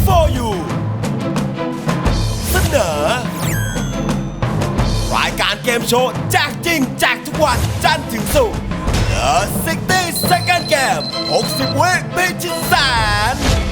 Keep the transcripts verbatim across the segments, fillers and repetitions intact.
for you เสนอรายการเกมโชว์แจกจริงแจกทุกวันจันทร์ถึงศุกร์ The ซิกตี้ Second Game หกสิบ วิพิชิตแสน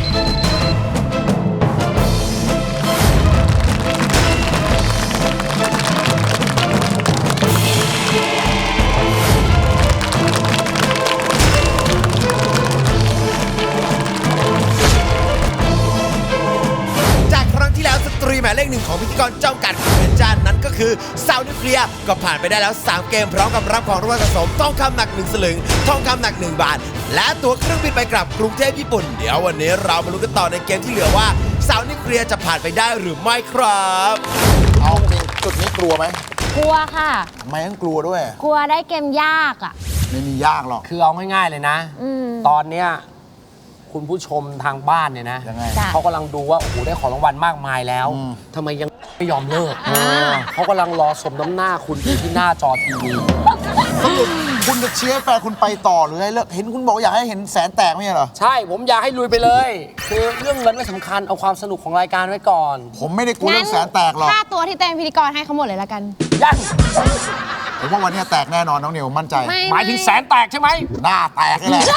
ตรีหมายเลขหนึ่งของพิธีกรจ้องกัดของเพชรจันนั้นก็คือซาวนิวเคลียร์ก็ผ่านไปได้แล้วสามเกมพร้อมกับรับของรางวัลสะสมทองคำหนักหนึ่งสลึงทองคำหนักหนึ่งบาทและตั๋วเครื่องบินไปกลับกรุงเทพญี่ปุ่นเดี๋ยววันนี้เรามาลุ้นกันต่อในเกมที่เหลือว่าซาวนิวเคลียร์จะผ่านไปได้หรือไม่ครับเอาจริงจุดนี้กลัวไหมกลัวค่ะทำไมต้องกลัวด้วยกลัวได้เกมยากอ่ะไม่มียากหรอกคือเอาง่ายๆเลยนะตอนเนี้ยคุณผู้ชมทางบ้านเนี่ยนะเขากำลังดูว่าโอ้โหได้ของรางวัลมากมายแล้วทำไมยังไม่ยอมเลิกเขากำลังรอสมน้ำหน้าคุณอยู่ที่หน้าจอทีวีคุณจะเชียร์แฟนคุณไปต่อหรือไงเลิกเห็นคุณบอกอยากให้เห็นแสนแตกไม่ใช่เหรอใช่ผมอยากให้ลุยไปเลยคือเรื่องเงินไม่สำคัญเอาความสนุกของรายการไว้ก่อนผมไม่ได้กลัวเรื่องแสนแตกหรอกค่าตัวที่เต้นพิธีกรให้เขาหมดเลยละกันยังผมว่าวันนี้แตกแน่นอนน้องนิวมั่นใจหมายถึงแสนแตกใช่ไหมหน้าแตกเลยแหละ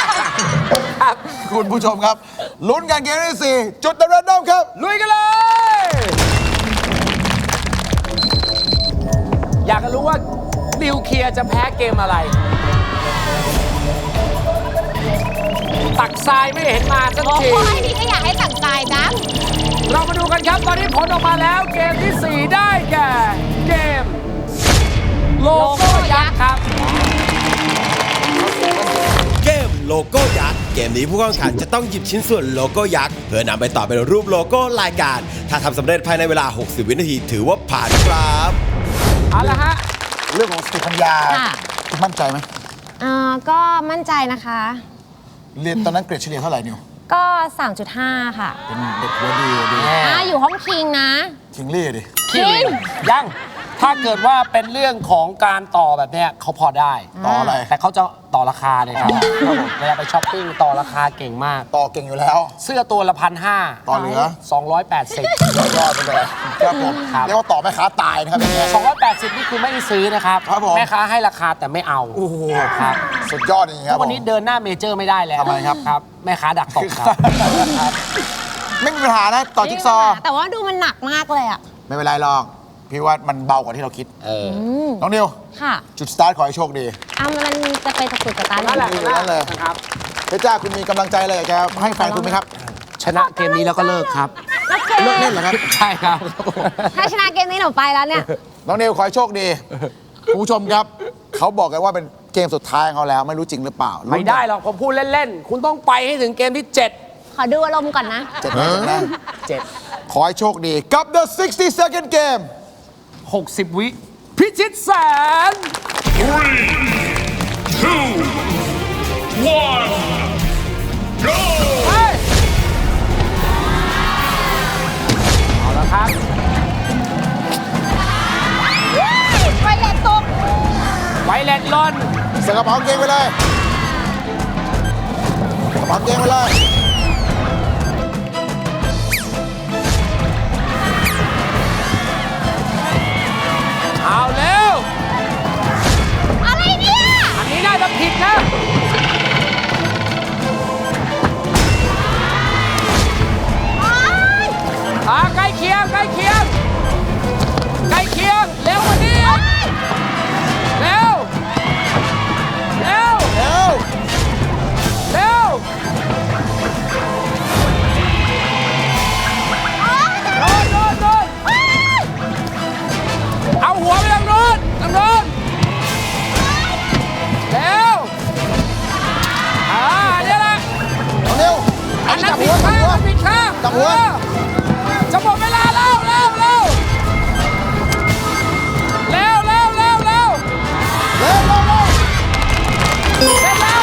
คุณผู้ชมครับลุ้นกันเกมที่สี่จุดเริ่มต้นครับลุยกันเลยอยากจะรู้ว่านิวเคลียร์จะแพ้เกมอะไรตักทรายไม่เห็นมาสักทีโอ้ยนี่ก็อยากให้ตักทรายจังเรามาดูกันครับตอนนี้ผลออกมาแล้วเกมที่สี่ได้แก่เกมโลโก้ยักษ์ครับเกมโลโก้ยักษ์เกมนี้ผู้แข่งขันจะต้องหยิบชิ้นส่วนโลโก้ยักษ์เพื่อนำไปต่อเป็นรูปโลโก้รายการถ้าทำสำเร็จภายในเวลาหกสิบวินาทีถือว่าผ่านครับเอาละฮะเรื่องของสติปัญญาคุณมั่นใจไหมอ่าก็มั่นใจนะคะเรียนตอนนั้นเกรดเฉลี่ยเท่าไหร่นิวก็ สามจุดห้า ค่ะเป็นเด็กหัวดีดีอ่าอยู่ห้องคิงนะคิงลี่ดิคิงยังถ้าเกิดว่าเป็นเรื่องของการต่อแบบเนี้ยเขาพอได้ต่ออะไรแต่เขาจะต่อราคาเลยครับเวลาไปช้อปปิ้งต่อราคาเก่งมากต่อเก่งอยู่แล้วเสื้อตัวละพันห้าต่อเหลือสองร้อยแปดสิบยอดไปเลยครับผมเรียกว่าต่อแม่ค้าตายนะครับสองร้อยแปดสิบนี่คือไม่ได้ซื้อนะครับแม่ค้าให้ราคาแต่ไม่เอาโอ้โหครับสุดยอดจริงๆครับวันนี้เดินหน้าเมเจอร์ไม่ได้แล้วทำไมครับครับแม่ค้าดักตกครับไม่มีปัญหานะต่อจิ๊กซอแต่ว่าดูมันหนักมากเลยอ่ะไม่เป็นไรหรอกพี่ว่ามันเบากว่าที่เราคิดน้องนิวค่ะจุดสตาร์ทขอให้โชคดีอ่ะมันจะไปตะกุดตะตานั่นแหละนั่นเลยนะครับเพชรจ้าคุณมีกำลังใจอะไรอยากจะให้แฟนคุณไหมครับชนะเกมนี้แล้วก็เลิกครับเลิกเล่นเหรอครับใช่ครับถ้าชนะเกมนี้หนูไปแล้วเนี่ยน้องนิวขอให้โชคดีคุณผู้ชมครับเขาบอกกันว่าเป็นเกมสุดท้ายของเขาแล้วไม่รู้จริงหรือเปล่าไม่ได้หรอกผมพูดเล่นๆคุณต้องไปให้ถึงเกมที่เจ็ดขอดูอารมณ์ก่อนนะเจ็ดนะเจ็ดขอให้โชคดีกับ The ซิกตี้ Second Game หกสิบ วิพิชิตแสน three two one go เอาละครับไวเลตตกไวเลตล่นใส่กระเป๋าเกงไปเลยกระเป๋าเกงไปเลยเอาเร็วอะไรเนี่ยอันนี้น่าจะผิดนะอ่าใกล้เคียงใกล้เคียงใกล้เคียงเร็วกว่านี้เร็วเร็วเร็วเร็วโดนโดนโดนเอาหัวไปทางโน้นทางโน้นเร็วอ่าเนี่ยแหละเร็วอันนั้นผิดข้างอันผิดข้างจับหัวจะหมดเวลาแล้วเร็วเร็วเร็วเร็วเร็วเร็วเร็วเร็วเร็วเร็วเร็ว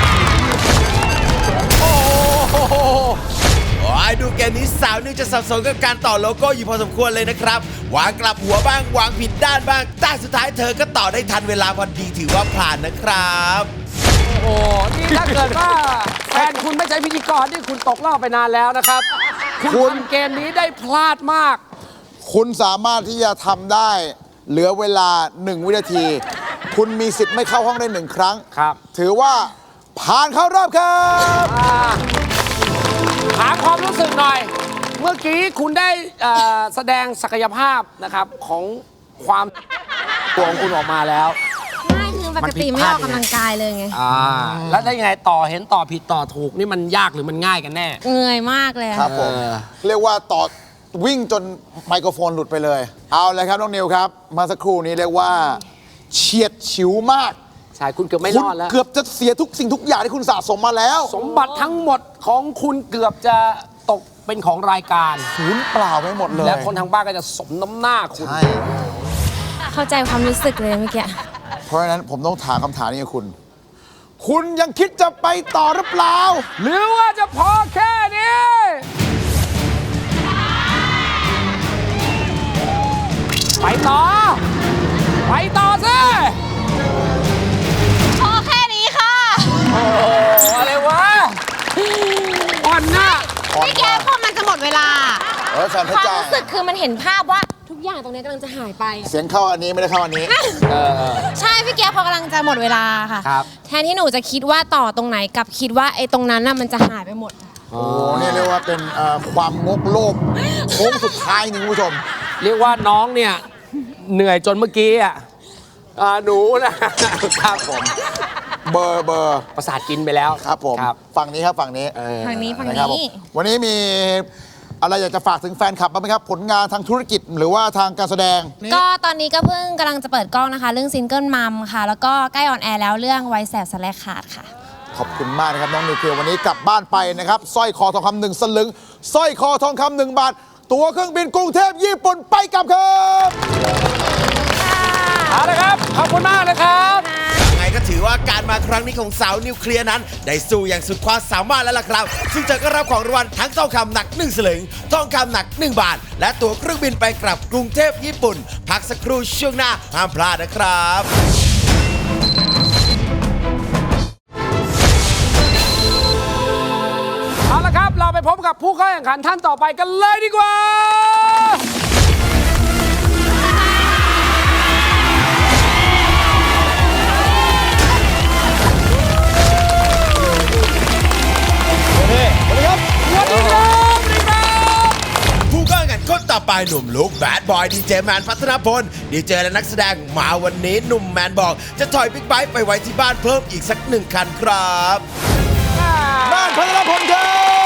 โอ้โหโอ้ยดูเกมนี้สาวนิวจะสับสนกับการต่อโลโก้อยู่พอสมควรเลยนะครับวางกลับหัวบ้างวางผิดด้านบ้างแต่สุดท้ายเธอก็ต่อได้ทันเวลาพอดีถือว่าผ่านนะครับโอ้โหนี่ถ้าเกิดว่าแฟนคุณไม่ใช่พิธีกรนี่คุณตกรอบไปนานแล้วนะครับคุณทำเกมนี้ได้พลาดมากคุณสามารถที่จะทำได้เหลือเวลาหนึ่งวินาที คุณมีสิทธิ์ไม่เข้าห้องได้หนึ่งครั้งครับถือว่าผ่านเข้ารอบครับอ่าถามความรู้สึกหน่อย เมื่อกี้คุณได้เอ่อแสดงศักยภาพนะครับของความตัวของคุณออกมาแล้วไม่คือปกติไม่ออกกำลังกายเลยไงอ่าแล้วได้ยังไงต่อเห็นต่อผิดต่อถูกนี่มันยากหรือมันง่ายกันแน่เหนื่อยมากเลยอะครับผมเออเรียกว่าต่อวิ่งจนไมโครโฟนหลุดไปเลย เอาเลยครับ น้องนิวครับ มาสักครู่นี้เรียกว่าเฉียดฉิวมากใช่คุณเกือบไม่คุรณอดแล้วเกือบจะเสียทุกสิ่งทุกอย่างที่คุณสะสมมาแล้วสมบัติทั้งหมดของคุณเกือบจะตกเป็นของรายการศูนย์เปล่าไปหมดเลยและคนทางบ้านก็จะสมน้ำหน้าคุณใช่เข้าใจความรู้สึกเลยเมื่อกี้เพราะฉะนั้นผมต้องถามคำถามนี้กับคุณ คุณยังคิดจะไปต่อหรือเปล่าหรือว่าจะพอแค่นี้ ไปต่อ ไปต่อสิพอแค่นี้ค่ะโอ้โหอะไรวะอ่อนหน้าพี่แกพอมันจะหมดเวลาเออแฟนเพคชรวามจ้ารู้สึกคือมันเห็นภาพว่าทุกอย่างตรงนี้กำลังจะหายไปอะเสียงเข้าอันนี้ไม่ได้เข้าอันนี้ใช่พี่แกพอกำลังจะหมดเวลาค่ะครับแทนที่หนูจะคิดว่าต่อตรงไหนกับคิดว่าไอ้ตรงนั้นน่ะมันจะหายไปหมดโอ้โหนี่เรียกว่าเป็นเอ่อความงกโลภโค้งสุดท้ายนี่คุณผู้ชมเรียกว่าน้องเนี่ย เหนื่อยจนเมื่อกี้อ่ะอ่าหนูนะครับผมเบอร์เบอร์ประสาทกินไปแล้วครับผมครับฝั่งนี้ครับฝั่งนี้เออฝั่งนี้ฝั่งนะครับผมนี้วันนี้มีอะไรอยากจะฝากถึงแฟนคลับบ้างไหมครับ ผลงานทางธุรกิจหรือว่าทางการแสดงก็ตอนนี้ก็เพิ่งกำลังจะเปิดกล้องนะคะ เรื่องซิงเกิลมัมค่ะ แล้วก็ใกล้ออนแอร์แล้วเรื่องไวแสบสแลกขาดค่ะขอบคุณมากนะครับน้องนิวเคลียร์วันนี้กลับบ้านไปนะครับสร้อยคอทองคำหนึ่งสลึงสร้อยคอทองคำหนึ่งบาท ตั๋วเครื่องบินกรุงเทพญี่ปุ่นไปกลับครับเอาละครับ ขอบคุณมากเลยครับยังไงก็ถือว่าการมาครั้งนี้ของสาวนิวเคลียร์นั้น ได้สู้อย่างสุดความสามารถแล้วล่ะครับ ซึ่งเธอก็รับของรางวัลทั้งทองคำหนักหนึ่งสลึงทองคำหนักหนึ่งบาท และตั๋วเครื่องบินไปกลับกรุงเทพญี่ปุ่น พักสักครู่ช่วงหน้าห้ามพลาดนะครับเอาละครับ เราไปพบกับผู้เข้าแข่งขันท่านต่อไปกันเลยดีกว่า สวัสดีครับ สวัสดีครับผู้เข้าแข่งขันคนต่อไปหนุ่มลุกแบดบอยดีเจแมนพัฒนพลดีเจและนักแสดงมาวันนี้หนุ่มแมนบอก จะถอยบิ๊กไบค์ไปไว้ที่บ้านเพิ่มอีกสักหนึ่งคันครับบ้านพัฒนพลครับ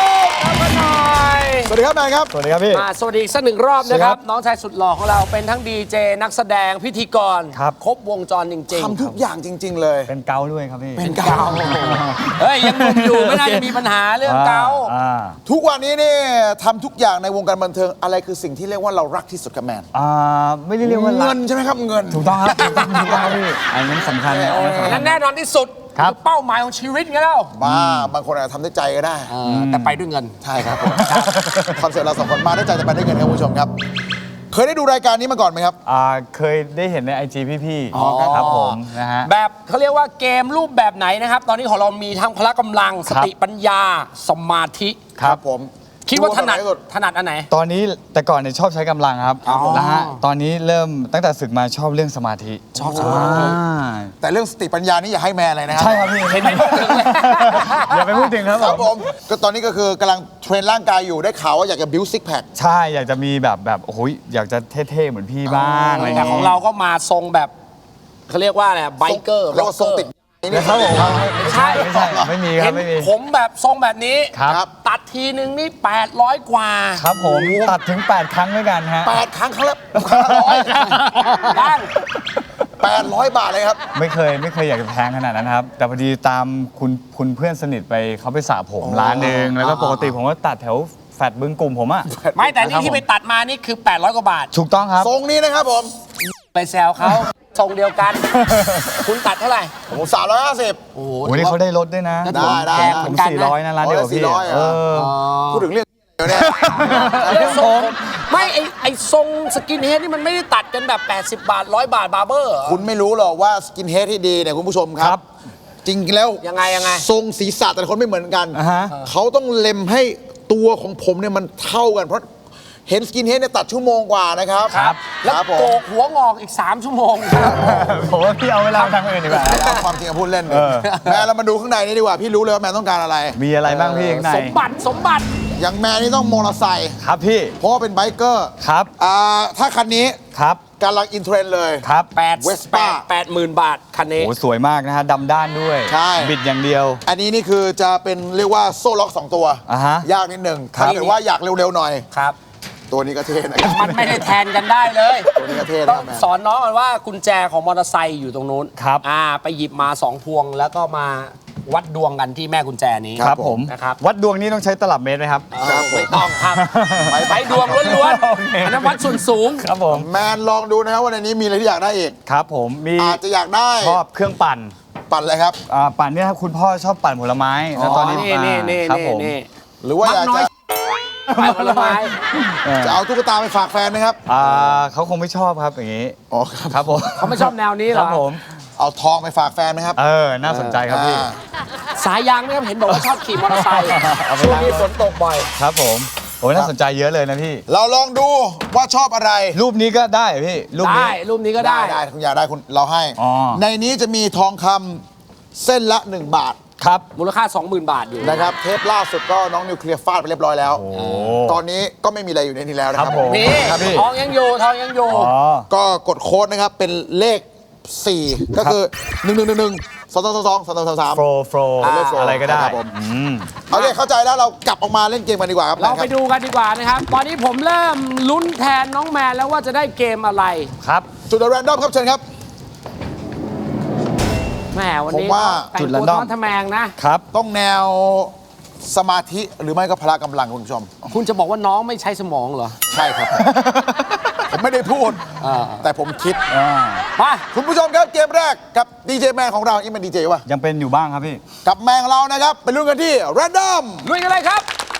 มาหน่อยสวัสดีครับแมนครับสวัสดีครับพี่มาสวัสดีอีกสักหนึ่งรอบนะครับสวัสดีครับน้องชายสุดหล่อของเราเป็นทั้งดีเจนักแสดงพิธีกรครับครบวงจรจริงทำทุกอย่างจริง ๆ เลยเป็นเกาด้วยครับพี่เป็นเกาๆ เฮ้ย ยังหนุ่มอยู่ ไม่น่าจะมีปัญหาเรื่องเกาอ่าทุกวันนี้นี่ทำทุกอย่างในวงการบันเทิงอะไรคือสิ่งที่เรียกว่าเรารักที่สุดกับแมนอ่าไม่ได้เรียกว่ารัเงิกนใช่ไหมครับเงินถูกต้องครับถูกต้องถูกต้องครับพี่อันนั้นสำคัญนะอันนั้นสำคัและญแน่นอนที่สุดครับอเป้าหมายของชีวิตไงแล้วบ้าบางคนอาจจะทำด้วยใจก็ได้แต่ไปด้วยเงินใช่ครับผมคอนเสิร์ตเราสองคนมาด้วยใจแต่ไปด้วยเงินครับคุณผู้ชมครับ เคยได้ดูรายการนี้มาก่อนไหมครับอ่าเคยได้เห็นในไอจีพี่ๆอ๋อครับครับผมนะฮะแบบเขาเรียกว่าเกมรูปแบบไหนนะครับ ตอนนี้ของเรามีทั้งพละกำลังสติปัญญาสมาธิครับผมคิดว่าถนัดที่สุดถนัดอันไหนตอนนี้แต่ก่อนเนี่ยชอบใช้กำลังครับอ๋อนะฮะตอนนี้เริ่มตั้งแต่ศึกมาชอบเรื่องสมาธิชอบสมาธิอ่าแต่เรื่องสติปัญญานี่อย่าให้แมนเลยนะครับใช่ครับพี่เห็นไม่พูดถึงเลยอย่าไปพูดถึงครับครับผผม มก็ตอนนี้ก็คือกำลังเทรนร่างกายอยู่ได้ข่าวว่าอยากจะบิวซิกแพคใช่อยากจะมีแบบแบบโอ้โหอยากจะเท่ๆเหมือนพี่บ้างอะไรแต่ย่ของเราก็มาทรงแบบเขาเรียกว่าอะไรไบเกอร์เรียกว่าทรงติดนี่นะครับผมไม่ใช่ไม่ใช่ไม่มีคเห็รับนไม่มีผมแบบทรงแบบนี้ครับตัดทีนึงนี่แปดร้อยกว่าครับผมตัดถึงแปดครั้งด้วยกันฮะแปดครั้งครั้งละครั้งละร้อยบ้างแปดร้อยบาทเลยครับไม่เคยไม่เคยอยากจะแพงขนาดนั้นครับ แต่พอดีตามคุณคุณเพื่อนสนิทไปเขาไปสระผมร้านหนึ่งแล้วก็ปกติผมก็ตัดแถวแฟดบึงกลุ่มผมอะไม่แต่นี่ที่ไปตัดมานี่คือ แปดร้อยกว่าบาทถูกต้องครับทรงนี้นะครับผมไปแซวเขาทรงเดียวกัน คุณตัดเท่าไหร่ผมสามร้อยห้าสิบโอ้โหโอ้ยนี่เขาได้ลดด้วยนะได้ได้แพงเหผมือมนกันสี่นะร้อยนะร้านเดียวกับพี่สี่ร้อยเหรอเออพูดถึงเรื่องเดี๋ยวเนี่ยเรื่องทรงไม่ไอไอทรงสกินเฮดนี่มันไม่ได้ตัดกันแบบ แปดสิบบาทร้อยบาทบาร์เบอร์เหรอคุณไม่รู้หรอกว่าสกินเฮดที่ดีเนี่ยคุณผู้ชมคครัรับบจริงๆแล้วยังไงยังไงทรงศีรษะแต่ละคนไม่เหมือนกันอ่าฮะเขาต้องเล็มให้ตัวของผมเนี่ยมันเท่ากันเพราะเห็นสกินเฮดเนี่ยตัดชั่วโมงกว่านะครับครับ แล้วครับผมโกกหัวงอกอีก สาม ชั่วโมงครับผมว่าพี่เอาเวลาไปทำอื่นดีกว่าเอาความจริงมาพูดเล่นเออแม่เรามาดูข้างในนี่ดีกว่าพี่รู้เลยว่าแม่ต้องการอะไรมีอะไรบ้างพี่ข้างในสมบัติสมบัติอย่างแม่นี่ต้องมอเตอร์ไซค์ครับพี่เพราะว่าเป็นไบเกอร์ครับอ่าถ้าคันนี้ครับกำลังอินเทรนด์เลยครับแปด Vespa แปดหมื่นบาท คันนี้โอ้สวยมากนะฮะดำด้านด้วยใช่บิดอย่างเดียวอันนี้นี่คือจะเป็นเรียกว่าโซ่ล็อกสองตัวอ่าฮะยากนิดหนึ่งครับถ้าเกิดว่าอยากเร็วๆหน่อยครับตัวนี้ก็เท่นะครับมันไม่ได้แทนกันได้เลยตัวนี้ก็เท่ต้นะองแม่สอนน้องกันว่ากุญแจของมอเตอร์ไซค์อยู่ตรงนู้นครับอ่า ไปหยิบมาสองพวงแล้วก็มาวัดดวงกันที่แม่กุญแจนี้ครับผมนะครับวัดดวงนี้ต้องใช้ตลับเมตรไหมครับครับผมไม่ต้องครับไปไปดวงล้วนโอเคๆอันนั้นวัดส่วนสูงครับผมแมนลองดูนะครับว่าในนี้มีอะไรที่อยากได้อีกครับผมมีอาจจะอยากได้ชอบเครื่องปั่นปั่นอะไรครับอ่าปั่นเนี่ยครับคุณพ่อชอบปั่นผลไม้แล้วตอนนี้นี่นี่นี่ครับนี่ผมนี่หรือว่าอยากน้อยจะไปผลไม้เออจะเอาตุ๊กตาไปฝากแฟนไหมครับอ่าเขาคงไม่ชอบครับอย่างนี้อ๋อครับครับผมเขาไม่ชอบแนวนี้เหครรัอบผมเอาทองไปฝากแฟนไหมครับเออน่าสนใจครับพี่อ่าสายยางเนี่ยเห็นบอกว่าชอบขี่มอเตอร์ไซค์เอาไปช่วงล้างนี้รถฝนตกบ่อยครับผมโอ้ยน่าสนใจเยอะเลยนะพี่เราลองดูว่าชอบอะไรรูปนี้ก็ได้เหรอพี่รูปนี้ได้รูปนี้ก็ได้ได้คุณอยากได้คุณเราให้อ๋อในนี้จะมีทองคำเส้นละ หนึ่ง บาทครับมูลค่า สองหมื่น บาทอยู่นะครับเทปล่าสุดก็น้องนิวเคลียร์ฟาดไปเรียบร้อยแล้วโอ้ตอนนี้ก็ไม่มีอะไรอยู่ในนี้แล้วนะคครัรับบผมนี่ครับพี่ทองยังอยู่ทองยังอยู่อ๋อก็กดโค้ดนะครับเป็นเลข สี่ ก็คือ หนึ่ง หนึ่ง หนึ่ง หนึ่ง สอง สอง สอง สอง สาม สาม สามโฟล์โฟล์อ่าอะไรก็ได้ครับผมอืมโอเคเข้าใจแล้วเรากลับออกมาเล่นเกมกันดีกว่าครับเราไปคบดูกันดีกว่านะครับ ตอนนี้ผมเริ่มลุ้นแทนน้องแมนแล้วว่าจะได้เกมอะไรครับจุดแรนดอมครับเชิญครับแหมวันนี้ผมว่าแต่งจุดตัว random ท้อนทะแมงนะครับต้องแนวสมาธิหรือไม่ก็พละกำลังคุณผู้ชมคุณจะบอกว่าน้องไม่ใช้สมองเหรอใช่ครับ ผมไม่ได้พูดอ่าแต่ผมคิดอ่ามาคุณผู้ชมครับเกมแรกกับดีเจแมนของเรานี่เป็นดีเจวะยังเป็นอยู่บ้างครับพี่กับแมนของเรานะครับไปลุ้นกันที่แรนดอมลุยกันเลยครับ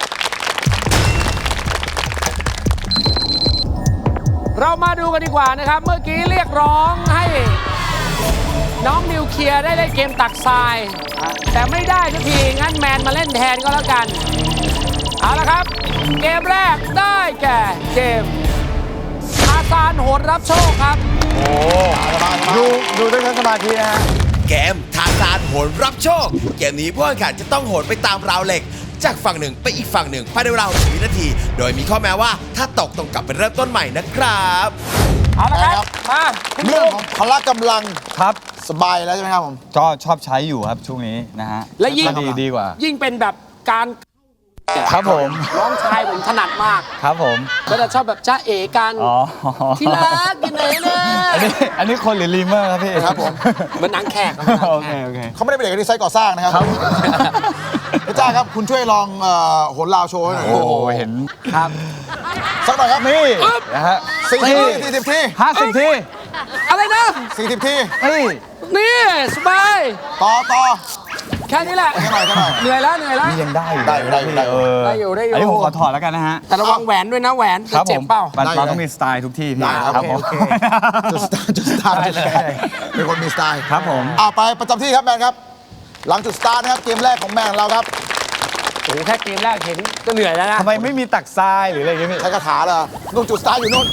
เรามาดูกันดีกว่านะครับ เมื่อกี้เรียกร้องให้น้องนิวเคลียร์ได้เล่นเกมตักทราย แต่ไม่ได้สักทีงั้นแมนมาเล่นแทนก็แล้วกัน เอาละครับ เกมแรกได้แก่เกมอาซานโหดรับโชคครับดูดูด้วยทั้งสมาธินะฮะเกมทาซานโหนรับโชค เกมนี้ผู้แข่งขันจะต้องโหนไปตามราวเหล็ก จากฝั่งหนึ่งไปอีกฝั่งหนึ่งภายในเวลาหนึ่งวินาที โดยมีข้อแม้ว่าถ้าตกต้องกลับไปเริ่มต้นใหม่นะครับเอาละครับ มาคุณเรื่องลุของพละกำลังครับสบายแล้วใช่ไหมครับผมก็ชอบใช้อยู่ครับช่วงนี้นะฮะและยิ่งก็ดีดีกว่ายิ่งเป็นแบบการครับผมน้องชายผมถนัดมากครับผมก็จะชอบแบบจ้าเอกันอ๋อที่รักอยู่ไหนเนี่ยอันนี้อันนี้คนหรือลีเมอร์ครับพี่ครับผมเหมือนหนังแขกครับหนังโอแขเคกโอเคเขาไม่ได้เป็นเด็กที่ไซต์ก่อสร้างนะครับครับพี่จ้าครับคุณช่วยลองเอ่อโหนลาวโชว์ให้หน่อยโอ้โหเห็นครับสักหน่อยครับนี่นะฮะสี่สิบทีสี่สิบทีห้าสิบทีอะไรนะสี่สิบทีเฮ้ยนี่สบายต่อต่อแค่นี้แหละแค่หน่อยแค่หน่อยเหนื่อยแล้วเหนื่อยแล้วนี่ยังได้อยู่ได้อยู่ได้อยู่ได้อยู่เออได้อยู่ได้อยู่อันนี้ผมขอถอดแล้วกันนะฮะแต่ระวังแหวนด้วยนะแหวนครับจะเจ็ผบมเปล่าปันได้ปาอยู่ต้องมีสไตล์ทุกที่พี่ได้ครับผมโอเคจุดสตาร์ทจุดสตาร์ทได้ได้เป็นคนมีสไตล์ครับผมอ่าไปประจำที่ครับแมนครับ หลังจุดสตาร์ทนะครับเกมแรกของแมนของเราครับโอ้โหแค่เกมแรกเห็นก็เหนื่อยแล้วนะทำไมไม่มีตักทรายหรืออะไรอย่างเงี้ยพี่ใช้คาถาเหรอนู่นจุดสตาร์ทอยู่นู่น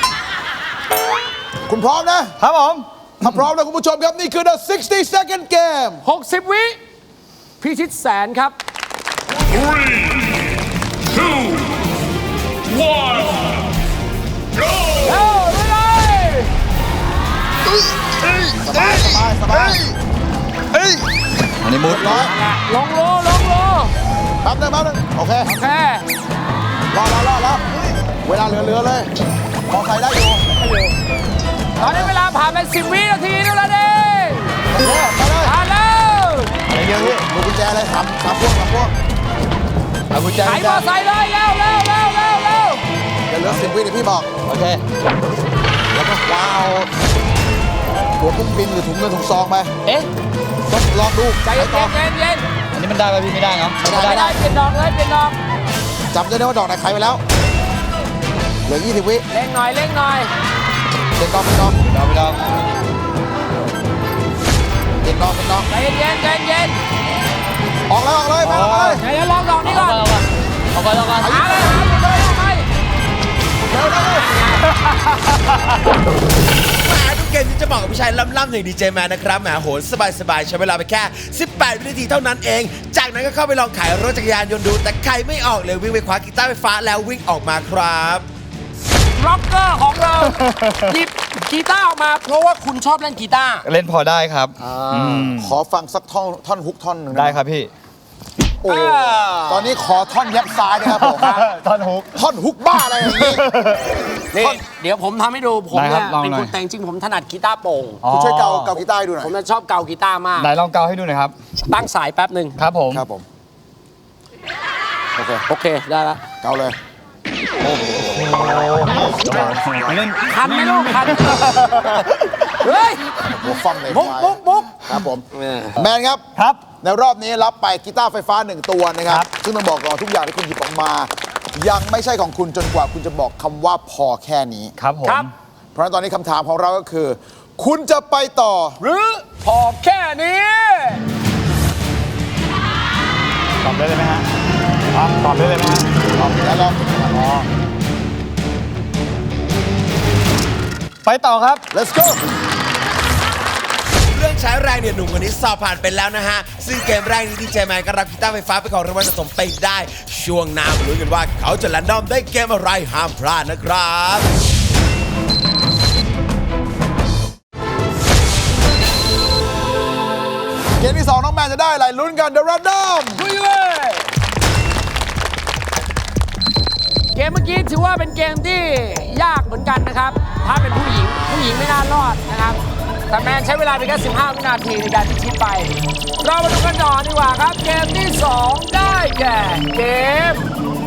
คุณพร้อมนะครับผมถ้าพร้อมแล้วคุณผู้ชมครับ นี่คือ the sixty second game หกสิบ วิพิชิตแสนครับ Three, two, one, go! เร็วเลยสบายสบายสบายอันนี้มุดร้อยลงโลลงโลแป๊บนึงแป๊บนึงโอเคโอเครอรอรอรอเวลาเหลือๆเลยพอใส่ได้อยู่ตอนนี้เวลาผ่านไปสิบวินาทีแล้วนะเด้โอเคไปเลยผ่านแล้วอะไรเยอะพี่ดูกุญแจเลยสามสามพวงสามพวงเอากุญแจไขมอไซค์เลยเร็วเร็วเร็วเร็วเร็วเดี๋ยวเหลือสิบวิเดี๋ยวพี่บอกโอเคแล้วก็ว้าวตัวเครื่องบินหรือถุงเงินถุงซองไปเอ๊ะต้องลองดูใจใครเย็ต่อนเย็นเย็นอันนี้มันได้ป่ะพี่ไม่ได้เนาะไม่ไม่ได้ได้เปลี่ยนดอกเลยเปลี่ยนดอกจำได้ไหมว่าดอกไหนใครไปแล้ว เหลือยี่สิบวิเร่งหน่อยเร่งหน่อยเป็นดอกเป็นดอกเราไปลองเป็นดอกเป็นดอกใจเย็นใจเย็นออกแล้วออกเลยไปออกเลยใจเย็นลองดอกนี้ก่อนเอาก่อนรอก่อนหาเลยหาเลยเอาไปเร็วเร็วแหมทุกเกมที่จะบอกกับผู้ชายล่ำๆอย่างดีเจแมนนะครับแหมโหนสบายๆใช้เวลาไปแค่ สิบแปด วินาทีเท่านั้นเอง จากนั้นก็เข้าไปลองขายรถจักรยานยนต์ดู แต่ใครไม่ออกเลยวิ่งไปคว้ากีตาร์ไฟฟ้าแล้ววิ่งออกมาครับร็อกเกอร์ของเราหยิบกีตาร์ออกมาเพราะว่าคุณชอบเล่นกีตาร์เล่นพอได้ครับมขอฟังสักท่อนท่อนฮุกท่อนหนึ่งได้ครับพี่โอ้ตอนนี้ขอท่อนยับซ้ายนะครับผมท่อนฮุกท่อนฮุกบ้าอะไรอย่างนี้นี่เดี๋ยวผมทำให้ดูผมได้ครัเนี่บยลองเป็นหน่อยคนแต่งจริงผมถนัดกีตาร์โปร่งคุณช่วยเกาเกากีตาร์ให้ดูหน่อยผมจะชอบเกากีตาร์มากไหนลองเกาให้ดูหน่อยครับตั้งสายแป๊บหนึ่งครับผมครับผม โอเคโอเคได้ละเกาเลยเล่นคันไหมลูกคันเฮ้ยหัวฟั่มเลยมุกมุกมุกครับผม แมนครับครับในรอบนี้รับไปกีตาร์ไฟฟ้าหนึ่งตัวนะครับ ซึ่งต้องบอกก่อนทุกอย่างที่คุณหยิบออกมา ยังไม่ใช่ของคุณจนกว่าคุณจะบอกคำว่าพอแค่นี้ครับผมครับเพราะฉะนั้นตอนนี้คำถามของเราก็คือ คุณจะไปต่อหรือพอแค่นี้ตอบได้เลยไหมฮะอ๋อตอบได้เลยไหมฮะแล้วลองไปต่อครับ let's go เรื่องใช้แรงเนี่ยหนุ่มคนนี้สอบผ่านไปแล้วนะฮะ ซึ่งเกมแรกนี้ดีเจแมนก็รับกีตาร์ไฟฟ้าไปนของรางวัลสะสมไปได้ ช่วงหน้ามาลุ้นกันว่าเขาจะแรนดอมได้เกมอะไรห้ามพลาดนะครับเกมที่สองน้องแมนจะได้อะไรลุ้นกัน The Random ลุยเลยเกมเมื่อกี้ถือว่าเป็นเกมที่ยากเหมือนกันนะครับ ถ้าเป็นผู้หญิงผู้หญิงไม่น่ารอดนะครับ แต่แมนใช้เวลาไปแค่สิบห้าวินาทีในการพิชิตไป เรามาดูกันต่อดีกว่าครับ เกมที่สองได้แก่เกม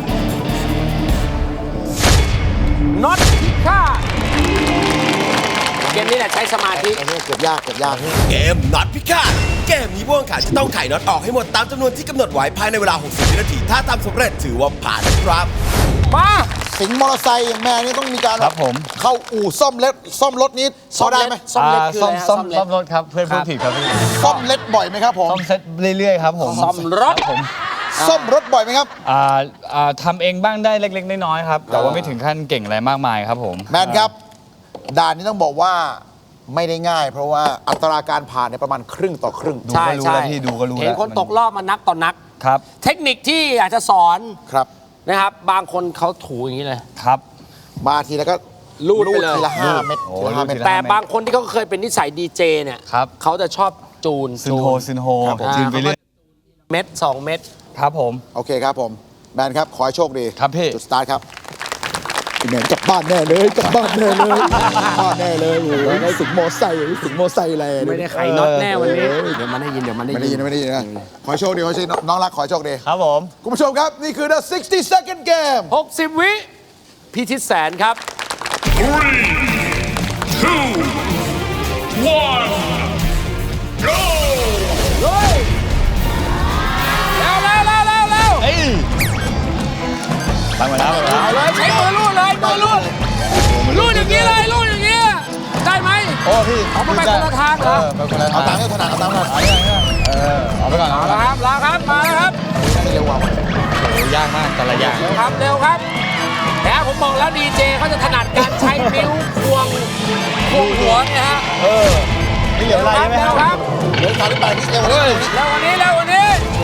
น็อตพิฆาตเกมนี้แหละใช้สมาธิอันนี้เกือบยากเกือบยากเกมน็อตพิฆาตเกมนี้ผู้แข่งขันจะต้องไขน็อตออกให้หมดตามจำนวนที่กำหนดไว้ภายในเวลา หกสิบ วินาที ถ้าทำสำเร็จถือว่าผ่านนะครับมาสิงห์มอเตอร์ไซค์อย่างแม่นี่ต้องมีการครับผมเข้าอู่ซ่อมเล็ดซ่อมรถนี้พอได้ไหมซ่อมเล็ดอ่าคือซ่ออะมไรฮะซ่อมเล็ซ่อดมรถครับ เพื่อนพูดผิดครับพี่ซ่อมเล็ดบ่อยไหมครับผมซ่อมเซ็ตเรื่อยๆครับผมซ่อมรถคบผมซ่อมรถบ่อยไหมครับอ่าอ่าทำเองบ้างได้เล็กๆน้อยๆครับ แต่ว่าไม่ถึงขั้นเก่งอะไรมากมายครับผมแมนครับ ด่านนี้ต้องบอกว่าไม่ได้ง่าย เพราะว่าอัตราการผ่านเนี่ยประมาณครึ่งต่อครึ่งดูก็รู้แล้วพี่ดูก็รู้แล้วเห็นคนตกรอบมานักต่อนักครับเทคนิคที่อยากจะสอนครับนะครับ บางคนเขาถูอย่างนี้เลยครับมาทีแล้วก็รูดไปเลยทีละห้าเม็ดโอ้ทีละห้าเม็ดรูดทีละแต่บางคนที่เขาเคยเป็นนิสัยดีเจเนี่ยครับเขาจะชอบจูนซึนโฮซึนโฮครับผมจืนไปเรื่อยเม็ดสองเม็ดครับผมโอเคครับผมแมนครับ ขอให้โชคดีครับพี่จุดสตาร์ทครับพี่แมนกลับบ้านแน่เลยกลับบ้านแน่เลยกลับบ้านแน่เลยโอ้โหได้สิงห์มอไซค์สิงห์มอไซค์อะไรไม่ได้ไขน็อตแน่วันนี้ เดี๋ยวมันได้ยินเดี๋ยวมันได้ไม่ได้ยิยินนไม่ได้ยินนะขอให้โชคดีขอให้โชคดีน้องรักขอให้โชคดีครับผมคุณผู้ชมครับ นี่คือ the sixty second game หกสิบ วิพิชิตแสนครับ Three, two, one, go! เลยเร็วเร็วเร็วเร็วเร็วเอ้ยตั้งมาแล้วตั้งมาแล้วเลยใช้มือลูดเลยมือลูดลูดอย่างนี้เลยลูดอย่างนี้ได้ไหมโอ้พี่เอาไปคนละทางเหรอเออไปคนละเอาทาตังงค์ให้ถนัดเอาตังค์ให้ถนัดเออเอาไปก่อนเอาเอาละละครับลาครับมาแล้วครับเร็วกว่าโอ้ยากมากแต่ละอย่างเร็วครับเร็วครับแต่ผมบอกแล้วดีเจเขาจะถนัดการใช้นิ้วควงควงหัวเนี่ยฮะเออไม่เหลืออะไรเร็วใช่ไหมคครัรับบเดี๋ยวสามที่แปดที่เร็วเลยเร็ววันนี้เร็ววันนี้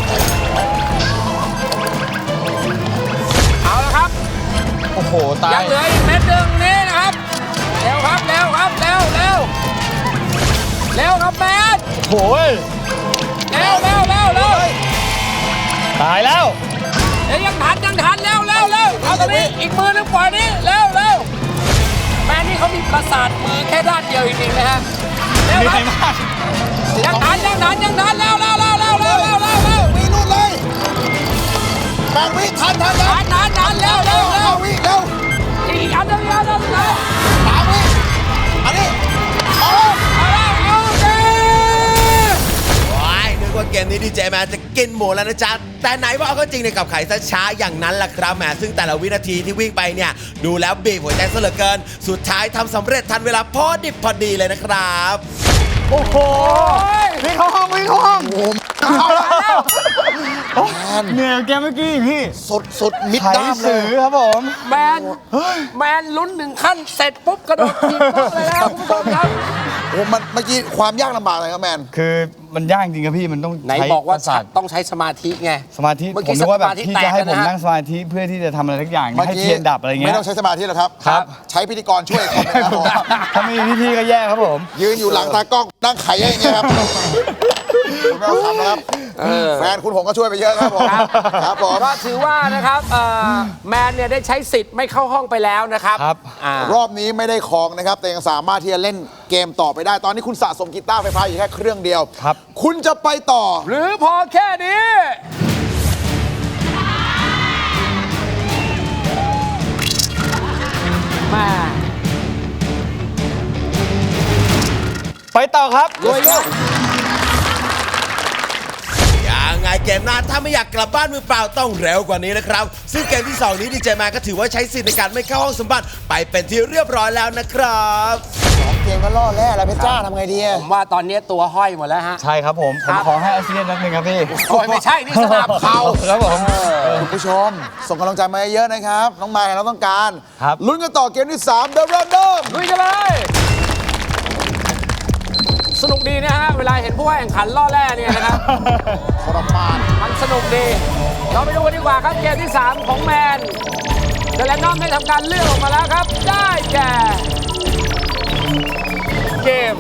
เอาละครับโอ้โหตายัยงเหลืออีกเม็ดหนึ่งนี้นะครับเร็วครับเร็วครับเร็วเร็วเร็วครับแมนโอ้ยเร็วเร็วเร็วเร็วตายแล้วเดี๋ยวยังทันยังทันเร็วเร็วเร็วเอาตรงนี้อีกมือหนึงปล่อยนี้เร็วเร็วแมนนี่เขามีประสาทมือแค่ด้านเดียวจริงๆนะฮะเร็วมีคใครรับมากยังทันยังทันยังทันเร็วเร็วเร็วเร็วเร็วเร็วเร็วเร็ววินู่นเลยแปดวิทันทันยังทันทันทันเร็วเร็วเร็วเก้าวิเร็วอีกอันหนึงอีกอันหนึงเร็วสามวิอันนี้เอาเลยเอาละโอเคว้ายนึกว่าเกมนี้ดีเจแมนจะกินหมูแล้วนะจ๊ะ แต่ไหนว่าเอาก็จริงในกับไข่ซะช้าอย่างนั้นล่ะครับแหมซึ่งแต่ละวินาทีที่วิ่งไปเนี่ย ดูแล้วบีบหัวใจซะเหลือเกิน สุดท้ายทำสำเร็จทันเวลาพอดิบพอดีเลยนะครับโอ้โหวิ่งเข้าห้องวิ่งเข้าห้องเอาแล้วเหนื่อยแกเมื่อกี้พี่สุดสุดมิดไถด้ามเลสื่ยอครับผมแมนแมนลุ้นหนึ่งขั้นเสร็จปุ๊บกระโดดทีบโต๊ะเลยนะครับคุณผู้ชมครับโอ้มันเมื่อกี้ความยากลำบากอะไรครับแมนคือมันยากจริงครับพี่มันต้องไหนใช้บอกว่าประสาทต้องใช้สมาธิไงสมาธิเมื่อผกี้มนึกว่าแบบสมาธิพี่จะให้แตกผมแล้วนะนั่งสมาธิเพื่อที่จะทำอะไรทุกอย่างเมื่อให้กี้เทียนดับอะไรเงี้ไม่ยต้องใช้สมาธิหรอกครับครับใช้พิธีกรช่วยคอมนะครับผมถ้าไม่มีพี่ๆก็แย่ครับผมยืนอยู่หลังตากล้องนั่งไขอย่างเงี้ยครับคุณไม่ต้องทำนะครับแฟนคุณผมก็ช่วยไปเยอะครับผมครับผมก็ถือว่านะครับเอ่อแมนเนี่ยได้ใช้สิทธิ์ไม่เข้าห้องไปแล้วนะครับครับอ่ารอบนี้ไม่ได้ของนะครับ แต่ยังสามารถที่จะเล่นเกมต่อไปได้ ตอนนี้คุณสะสมกีตาร์ไฟฟ้าอยู่แค่เครื่องเดียวครับคุณจะไปต่อหรือพอแค่นี้มาไปต่อครับลุยครับยังไงเกมหน้าถ้าไม่อยากกลับบ้านมือเปล่าต้องเร็วกว่านี้นะครับ ซึ่งเกมที่สองนี้ดีเจแมนก็ถือว่าใช้สิทธิ์ในการไม่เข้าห้องสมบัติไปเป็นที่เรียบร้อยแล้วนะครับสองเกมก็ล่อแร่แล้วเพชรจ้าทำไงดีอะผมว่าตอนนี้ตัวห้อยหมดแล้วฮะใช่ครับผมผมขอให้อาเซียนนัดหนึ่งครับพี่โอ้ยไม่ใช่นี่สนามเขาครับผมคุณผู้ชม ส่งกำลังใจมาเยอะๆนะครับ น้องไมค์เราต้องการครับลุ้นกันต่อเกมที่ สาม The Random ลุยกันเลย สนุกดีนะฮะ เวลาเห็นผู้ว่าแข่งขันล่อแร่เนี่ยนะครับทรมานมันสนุกดี เราไปดูกันดีกว่าครับเกมที่ สาม ของแมนเดลแลนนอมได้ทำการเลือกออกมาแล้วครับ ได้แก่ เกม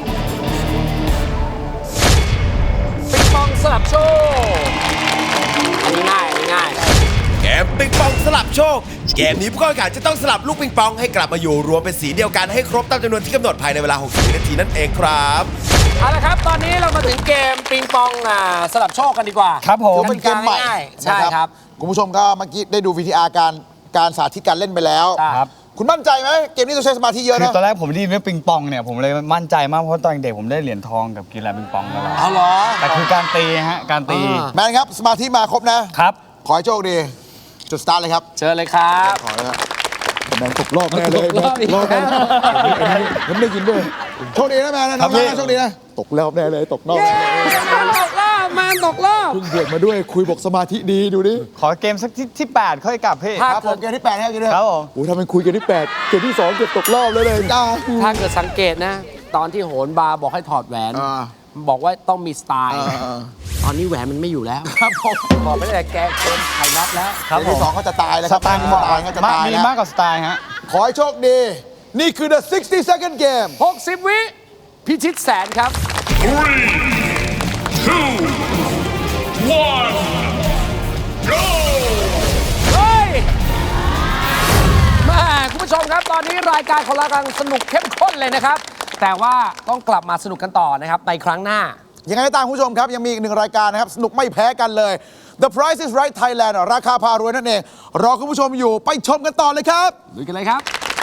ปิงปองสลับโชว์อันนี้ง่ายอันนี้ง่ายเกมปิงปองสลับโชค เกมนี้ผู้เข้าแข่งขันจะต้องสลับลูกปิงปองให้กลับมาอยู่รวมเป็นสีเดียวกันให้ครบตามจำนวนที่กำหนดภายในเวลา หกสิบ นาทีนั่นเองครับเอาละครับ ตอนนี้เรามาถึงเกมปิงปองอ่าสลับโชคกันดีกว่าครับผมถือเป็นเกมใหม่ง่ายๆใช่ครับคุณผู้ชมก็เมื่อกี้ได้ดู วี ที อาร์ การการสาธิตการเล่นไปแล้วครับคุณมั่นใจไหมเกมนี้ต้องใช้สมาธิเยอะคือนะตอนแรกผมได้ยินเรื่องปิงปองเนี่ยผมเลยมั่นใจมากเพราะตอนเด็กผมได้เหรียญทองกับกีฬาปิงปองตลอดเอาเหรอแต่คือการตีฮะการตีอ่าแมนครับ สมาธิมาครบนะครับขอให้โชคดี จุดสตาร์ทเลยครับเชิญเลยครับขอเลยครับแมนตกรอบแน่เลยตกรอบอีกรอบแน่แล้วผมได้ยินด้วย โชคดีนะแมนนะน้องครับพี่นะโชคดีนะ ตกรอบแน่เลยตกนอกแมนตกรอบแมนตกรอบเพิ่งบวกมาด้วยคุยบอกสมาธิดีดูดิขอเกมสักที่ที่แปดค่อยกลับพี่ถ้าครับผมเกมที่แปดให้กินด้วยครับผมโอ้ทำเป็นคุยเกมที่แปดเกมที่สองเกือบตกรอบเลยเลยจ้าถ้าเกิดสังเกตนะ ตอนที่โหนบาร์บอกให้ถอดแหวนอ่าบอกว่าต้องมีสไตล์อ่าตอนนี้แหวนมันไม่อยู่แล้ว ครับผมบอกไม่ได้แกเกินไข่นัดแล้วครับเกมผมที่สองเขาจะตายแล้วคสรับไตล์เกมที่สองเขาจะมากตายมีแล้วมากกว่าสไตล์ฮะขอให้โชคดี นี่คือ the sixty second game หกสิบ วิพิชิตแสนครับ Three, two, one, go! เฮ้ยแม่คุณผู้ชมครับ ตอนนี้รายการของเรากำลังสนุกเข้มข้นเลยนะครับ แต่ว่าต้องกลับมาสนุกกันต่อนะครับในครั้งหน้ายังไงก็ตามคุณผู้ชมครับ ยังมีอีกหนึ่งรายการนะครับ สนุกไม่แพ้กันเลย The Price is Right Thailand ราคาพารวยนั่นเอง รอคุณผู้ชมอยู่ไปชมกันต่อเลยครับลุยกันเลยครับ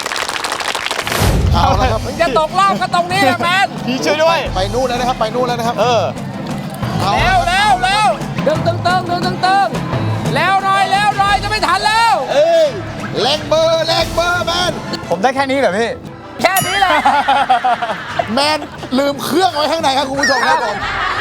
เอาละครับมึงจะตกรอบก็ตรงนี้แหละแมนพี่ช่วยด้วยไปนู่นแล้วนะครับ ไปนู่นแล้วนะครับเออเอาเร็วเร็วเร็วดึงตึงตึงดึงตึงตึงแล้วหน่อยแล้วหน่อยจะไม่ทันแล้วเอ้ยแรงเบอร์แรงเบอร์แมนผมได้แค่นี้เหรอพี่แค่นี้แหละแมนลืมเครื่องไว้ข้างในครับคุณผู้ชมครับผม